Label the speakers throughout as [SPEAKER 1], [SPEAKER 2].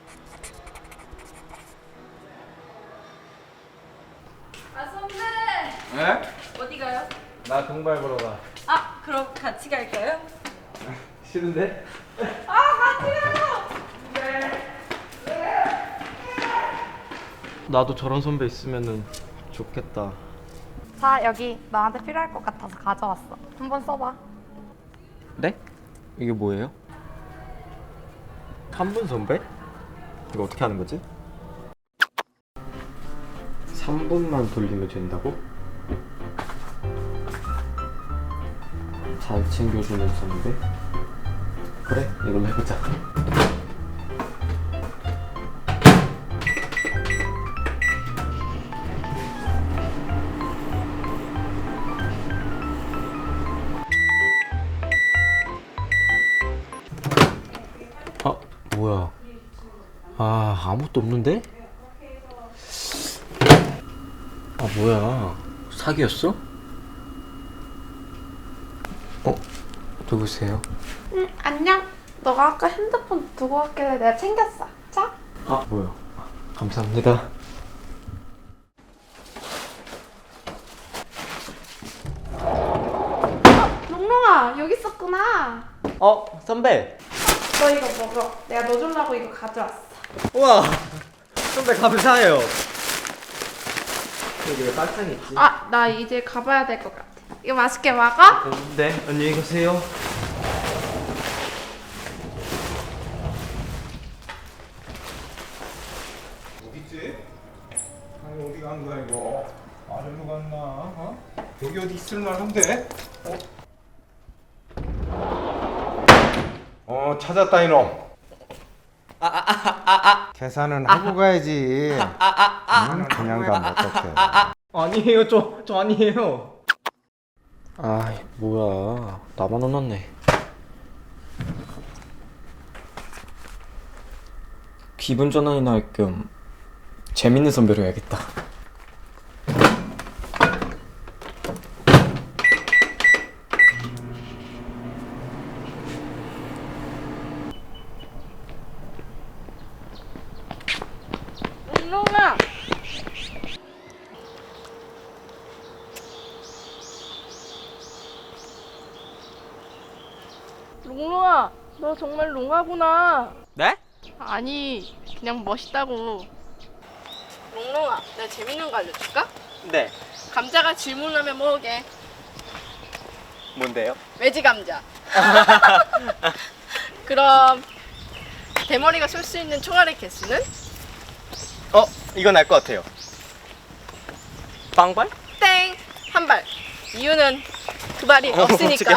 [SPEAKER 1] 아 선배.
[SPEAKER 2] 에?
[SPEAKER 1] 어디 가요?
[SPEAKER 2] 나 동발 보러 가.
[SPEAKER 1] 아 그럼 같이 갈까요?
[SPEAKER 2] 싫은데?
[SPEAKER 1] 아 같이 가요.
[SPEAKER 2] 나도 저런 선배 있으면은 좋겠다.
[SPEAKER 3] 자, 여기 너한테 필요할 것 같아서 가져왔어. 한번 써봐.
[SPEAKER 2] 네? 이게 뭐예요? 3분 선배? 이거 어떻게 하는 거지? 3분만 돌리면 된다고? 잘 챙겨주는 선배? 그래, 이걸로 해보자. 뭐야? 아무것도 없는데? 뭐야? 사기였어? 누구세요?
[SPEAKER 3] 응, 안녕. 너가 아까 핸드폰 두고 왔길래 내가 챙겼어. 자.
[SPEAKER 2] 뭐야? 감사합니다.
[SPEAKER 3] 롱롱아, 여기 있었구나.
[SPEAKER 2] 선배!
[SPEAKER 3] 너 이거 먹어. 내가 너 주려고 이거 가져왔어.
[SPEAKER 2] 우와! 선배 감사해요. 여기 왜 빨상이 있지?
[SPEAKER 3] 나 이제 가봐야 될 것 같아. 이거 맛있게 먹어?
[SPEAKER 2] 네, 안녕히 가세요.
[SPEAKER 4] 어딨지? 아니 어디 간 거야 이거? 아래로 갔나? 여기 어디 있을만한데? 찾았다 이놈. 계산은 하고 가야지. 그냥 가면 어떡해?
[SPEAKER 2] 아니에요, 저 아니에요. 뭐야? 나만 혼났네. 기분 전환이 날 겸 재밌는 선배로 해야겠다.
[SPEAKER 1] 롱롱아. 롱롱아, 너 정말 롱하구나.
[SPEAKER 2] 네?
[SPEAKER 1] 아니, 그냥 멋있다고. 롱롱아, 내가 재밌는 거 알려줄까?
[SPEAKER 2] 네.
[SPEAKER 1] 감자가 질문하면 뭐게?
[SPEAKER 2] 뭔데요?
[SPEAKER 1] 외지 감자. 그럼 대머리가 쏠 수 있는 총알의 개수는?
[SPEAKER 2] 이건 알 것 같아요. 빵발?
[SPEAKER 1] 땡! 한 발. 이유는 그 발이 없으니까.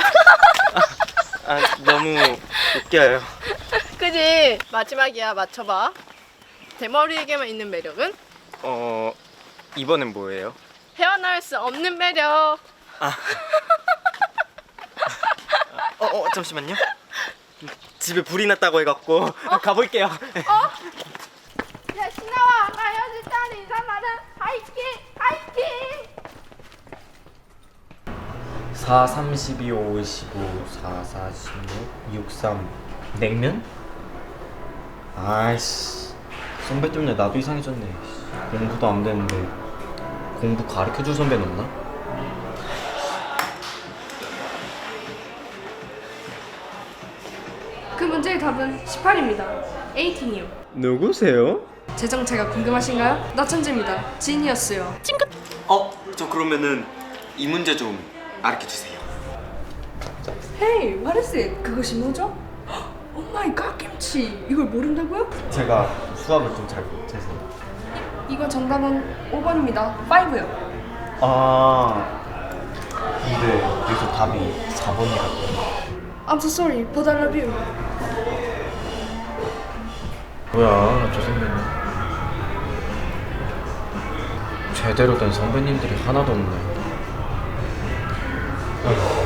[SPEAKER 2] 너무 웃겨요.
[SPEAKER 1] 그지? 마지막이야, 맞춰봐. 대머리에게만 있는 매력은?
[SPEAKER 2] 이번엔 뭐예요?
[SPEAKER 1] 헤어나올 수 없는 매력.
[SPEAKER 2] 잠시만요. 집에 불이 났다고 해갖고 가볼게요.
[SPEAKER 1] 야, 신나와. 나 헤어졌다는 이상하는 하이킹! 하이킹!
[SPEAKER 2] 4, 32, 5, 15, 4, 4, 16, 6, 3 냉면? 아이씨, 선배 때문에 나도 이상해졌네. 공부도 안 되는데 공부 가르쳐줄 선배는 없나?
[SPEAKER 5] 그 문제의 답은 18입니다. 18이요.
[SPEAKER 2] 누구세요?
[SPEAKER 5] 제 정체가 궁금하신가요? 나천재입니다. 지니어스요.
[SPEAKER 2] 저 그러면은 이 문제 좀 가르쳐주세요.
[SPEAKER 5] Hey, what is it? 그것이 뭐죠? Oh my god, 김치! 이걸 모른다고요?
[SPEAKER 2] 제가 수학을 좀 잘 못해서.
[SPEAKER 5] 이거 정답은 5번입니다. 5요.
[SPEAKER 2] 근데 여기서 답이 4번이라고.
[SPEAKER 5] I'm so sorry, but I love you.
[SPEAKER 2] 뭐야, 저 선배님. 제대로 된 선배님들이 하나도 없네.